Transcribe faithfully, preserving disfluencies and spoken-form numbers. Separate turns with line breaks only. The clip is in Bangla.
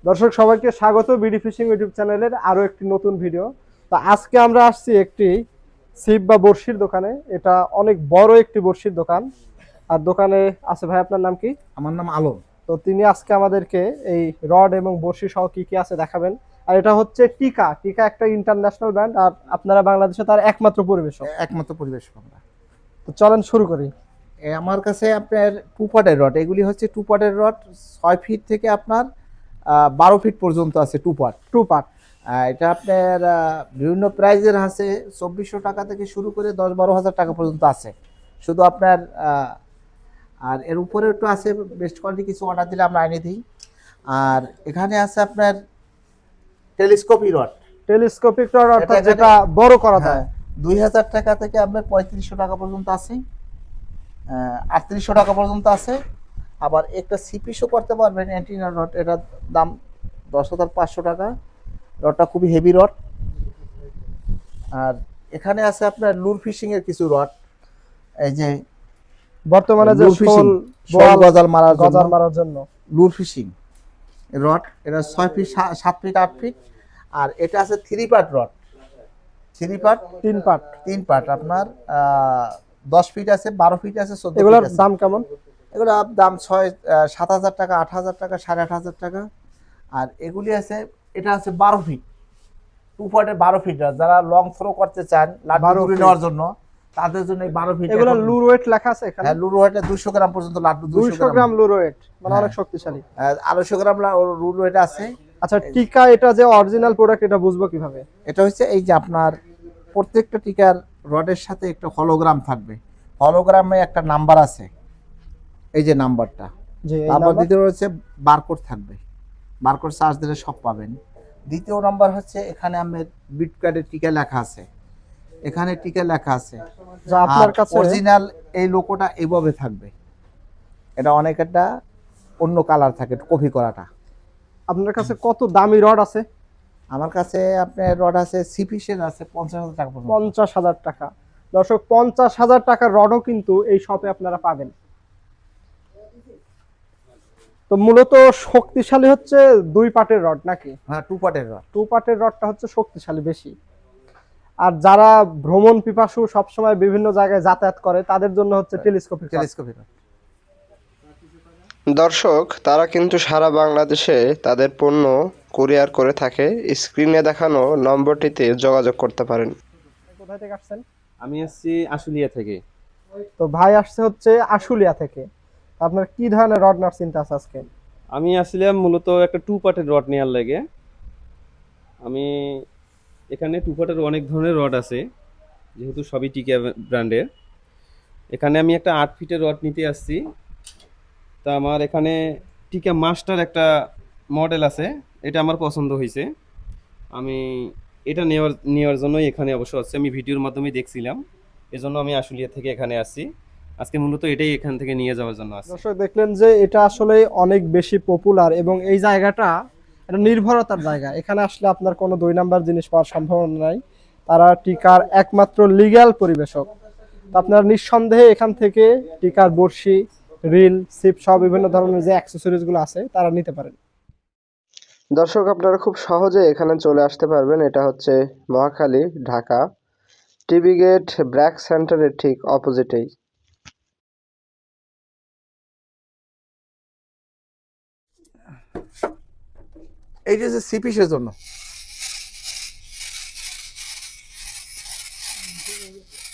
দর্শক সবাইকে স্বাগত বিডি ফিশিং ইউটিউব চ্যানেলের আরো একটি নতুন ভিডিও। তো আজকে আমরা আসছি একটি ছিপ বা বড়শির দোকানে। এটা অনেক বড় একটি বড়শির দোকান। আর দোকানে আছে ভাই, আপনার নাম কি?
আমার নাম আলম।
তো তিনি আজকে আমাদেরকে এই রড এবং বড়শি সহ কি কি আছে দেখাবেন। আর এটা হচ্ছে টিকা টিকা একটা ইন্টারন্যাশনাল ব্র্যান্ড, আর আপনারা বাংলাদেশে তার একমাত্র পরিবেশক।
একমাত্র পরিবেশ আমরা।
তো চলেন শুরু করি।
এ আমার কাছে আপনার টু পার্টের রড, এগুলি হচ্ছে টু পার্টের রড। ছয় ফিট থেকে আপনার আহ, বারো ফিট পর্যন্ত আছে টু পার্ট।
টু পার্ট
এটা আপনার আহ, বিভিন্ন প্রাইজের আছে, চব্বিশশো টাকা থেকে শুরু করে দশ বারো হাজার টাকা পর্যন্ত আছে। শুধু আপনার আহ, আর এর উপরে একটু আছে, বেস্ট কোয়ালিটি কিছু অর্ডার দিলে আমরা এনে দিই। আর এখানে আছে আপনার টেলিস্কোপি রড।
টেলিস্কোপিক রড অর্থাৎ
এটা-
যেটা বড় করা যায়।
হ্যাঁ, দুই হাজার টাকা থেকে আপনার পঁয়ত্রিশশো টাকা পর্যন্ত আছে, আটত্রিশশো টাকা পর্যন্ত আছে। আবার একটা সিপিসও করতে পারবেন অ্যান্টিনা রড, এটার দাম দশ হাজার পাঁচশো টাকা। রডটা খুবই হেভি রড। আর এখানে আছে আপনার লুর ফিশিং এর কিছু রড, এই যে
বর্তমানে যে
লুর ফিশিং,
শোল
শোল
বোয়াল
গজাল মারার জন্য
গজার মারার জন্য
লুর ফিশিং রড। এটা ছয় ফিট সাত ফিট আট ফিট। আর এটা আছে three part rod, three part
তিন পার্ট।
তিন পার্ট আপনার আহ, দশ ফিট আছে, বারো ফিট আছে, চোদ্দ
এগুলোর
ফিট আছে।
দাম কেমন?
এগুলো দাম ছয় আহ, সাত হাজার টাকা, আট হাজার টাকা, সাড়ে আট হাজার টাকা। আর এগুলি আছে, এটা আছে বারো ফিট, টু পয়েন্টের বারো ফিট। যারা লং থ্রো করতে চান লাড্ডু
বারো
তুলে
feet।
নেওয়ার জন্য, তাদের জন্য এই বারো ফিট।
এগুলো লুর ওয়েট লেখা আছে এখানে।
হ্যাঁ, লুর ওয়েটে দুশো গ্রাম পর্যন্ত লাড্ডু, দুশো
দুইশো গ্রাম লুর ওয়েট, মানে
হ্যাঁ।
অনেক শক্তিশালী।
আড়াইশো গ্রাম লুর ওয়েট আছে।
আচ্ছা, টিকা এটা যে অরিজিনাল প্রোডাক্ট, এটা বুঝবো কিভাবে?
এটা হচ্ছে এই যে আপনার প্রত্যেকটা টিকার রডের সাথে একটা হলোগ্রাম থাকবে। হলোগ্রামে একটা নাম্বার আছে, এই যে নাম্বারটা।
যে এই
তারপর
নাম্বার।
দ্বিতীয় হচ্ছে বারকোড থাকবে, বারকোড চার্জ দিলে সব পাবেন। দ্বিতীয় নাম্বার হচ্ছে এখানে আমার বিট কার্ডের টিকা লেখা আছে, এখানে টিকা লেখা আছে।
যা আপনার কাছে
অরিজিনাল এই লোগোটা এইভাবে থাকবে। এটা অনেক একটা অন্য কালার থাকে, কপি করাটা।
আপনার কাছে কত দামি রড আছে?
আমার কাছে আপনার রড আছে, সিপিসের আছে পঞ্চাশ হাজার টাকা পর্যন্ত।
পঞ্চাশ হাজার টাকা। দর্শক, পঞ্চাশ হাজার টাকার রডও কিন্তু এই শপে আপনারা পাবেন। তো মূলত শক্তিশালী হচ্ছে দুই পার্টের রড নাকি?
হ্যাঁ, টু পার্টের রড।
টু পার্টের রডটা হচ্ছে শক্তিশালী বেশি। আর যারা ভ্রমণ পিপাসু, সবসময় বিভিন্ন জায়গায় যাতায়াত করে, তাদের জন্য হচ্ছে টেলিস্কোপিক রড।
টেলিস্কোপি রড।
দর্শক, তারা কিন্তু সারা বাংলাদেশে তাদের পণ্য কুরিয়ার করে থাকে। স্ক্রিনে দেখানো নম্বরটিতে যোগাযোগ করতে পারেন।
কোথায় থেকে আসছেন?
আমি আসছি আশুলিয়া থেকে।
তো ভাই আসছে হচ্ছে আশুলিয়া থেকে। আপনার কি ধরনের রড নেওয়ার চিন্তা আছে আজকে?
আমি আসছিলাম মূলত একটা টু পার্টের রড নেওয়ার লাগে। আমি এখানে টু পার্টের অনেক ধরনের রড আছে, যেহেতু সবই টিকা ব্র্যান্ডের। এখানে আমি একটা আট ফিটের রড নিতে আসছি। তা আমার এখানে টিকা মাস্টার একটা মডেল আছে, এটা আমার পছন্দ হয়েছে। আমি এটা নেওয়ার নেওয়ার জন্যই এখানে অবশ্য আসছি। আমি ভিডিওর মাধ্যমে দেখছিলাম, এজন্য আমি আশুলিয়া থেকে এখানে আসছি। আজকে মূলত এটাই এখান থেকে নিয়ে যাওয়ার জন্য আসছি।
দর্শক, দেখলেন যে এটা আসলে অনেক বেশি পপুলার, এবং এই জায়গাটা এটা নির্ভরতার জায়গা। এখানে আসলে আপনার কোনো দুই নাম্বার জিনিস পাওয়ার সম্ভাবনা নাই। তারা টিকার একমাত্র লিগ্যাল পরিবেশক। তো আপনারা নিঃসন্দেহে এখান থেকে টিকার বড়শি, রিল, সিপ সহ বিভিন্ন ধরনের যে অ্যাক্সেসরিজ গুলো আছে তারা নিতে পারেন।
দর্শক, আপনারা খুব সহজে এখানে চলে আসতে পারবেন। এটা হচ্ছে Mohakhali, Dhaka, TV gate BRAC সেন্টারের ঠিক অপোজিটেই।
এই যে সিপিসের জন্য